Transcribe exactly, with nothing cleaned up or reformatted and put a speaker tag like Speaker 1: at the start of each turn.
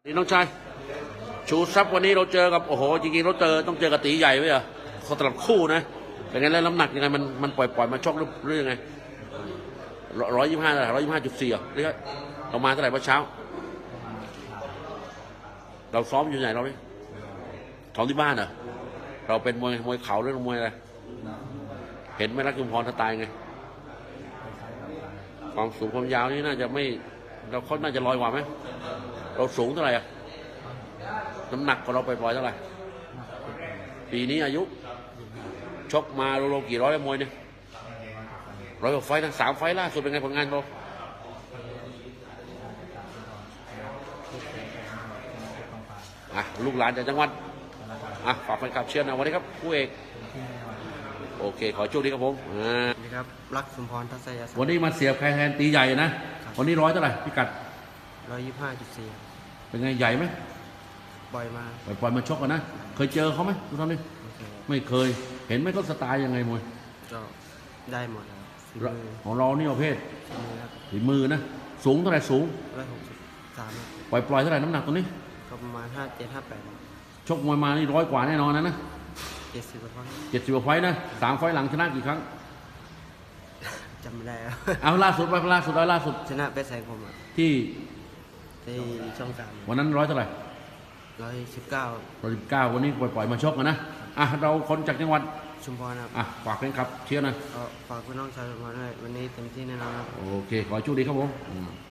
Speaker 1: วันนี้น้องชายชูซับวันนี้เราเจอกับโอ้โหจริงๆเราเจอต้องเจอกับตีใหญ่ไว้เหรอเขาตลับคู่นะเป็นไงแล้วน้ำหนักยังไงมันมันปล่อยปล่อยมาชกหรือหรือยังไงร้อยยี่สิบห้าร้อยยี่สิบห้าจุดสี่อ่ะหรือเรามาเท่าไหร่เมื่อเช้า เราซ้อมอยู่ไหนเราเนี่ยซ้อมที่บ้านเหรอเราเป็นมวยมวยเข่าหรือมวยอะไรเห็นไหมรักจุมพรสไตล์ไงความสูงความยาวนี่น่าจะไม่เราเขาน่าจะลอยกว่าไหมเราสูงเท่าไหร่อะน้ำหนักของเราไปปล่อยเท่าไหร่ปีนี้อายุชกมาโลกี่ร้อยมวยเนี่ยร้อยกว่าไฟนะสามไฟล่าสุดเป็นไงผลงานเราอ่ะลูกหลานจากจังหวัดอ่ะฝากแฟนคลับเชียร์นะวันนี้ครับคู่เอกโอเคขอโชคดีครับผมอ่า
Speaker 2: สวัสดีครับรักสมพรทัศยศักดิ์
Speaker 1: วันนี้มาเสียบใครแทนตีใหญ่นะวันนี้ร้อยเท่าไหร่พิกัด
Speaker 2: ร้อยยี่สิบห้าจุดสี่
Speaker 1: เป็นไงใหญ่ไหม
Speaker 2: บ่อยมา
Speaker 1: ปล่อยปล่อยมาชกกันนะ เคยเจอเขาไหมทุกท่านนี่
Speaker 2: โอเค
Speaker 1: ไม่เคยเห็นไหมเขาสไตล์ยังไงมวย
Speaker 2: ก็ได้หมดครับฝีมือ
Speaker 1: ของเรานี่ประเภท
Speaker 2: ฝีมือครับ
Speaker 1: ฝีมือนะสูงเท่าไหร่สูง
Speaker 2: ร้อยหกสิบสาม
Speaker 1: ปล่อยปล่อยเท่าไหร่น้ำหนักตัวนี้
Speaker 2: ก็ประมาณห้าเจ็ดห้าแปด
Speaker 1: ชกมวยมานี่ร้อยกว่าแน่นอนนะนะ
Speaker 2: เจ็ดสิบกว่าท่อน
Speaker 1: เจ็ดสิบกว่าไฟต์นะสามไฟต์หลังชนะกี่ครั้ง
Speaker 2: จำไม่ได้ครับ
Speaker 1: เอาล่าสุดไปล่าสุดร้อยล่าสุด
Speaker 2: ชนะเป็นแสงผมอะ
Speaker 1: ที่
Speaker 2: ที่ช่องสาม
Speaker 1: วันนั้นร้อยเท่าไหร่
Speaker 2: ร้อยสิบเก้า
Speaker 1: ร้อยสิบเก้าวันนี้ปล่อยปล่อยมาชกกันนะอ่ะเราคนจากจังหวัด
Speaker 2: ชุมพรครับ
Speaker 1: อ่ะฝากแฟนคลับเชียร์หนะ
Speaker 2: ก็ฝากพี่น้องชาวชุมพรด้วยวันนี้เต็มที่แน่นอนครับ
Speaker 1: โอเคขอให้โชคดีครับผมอืม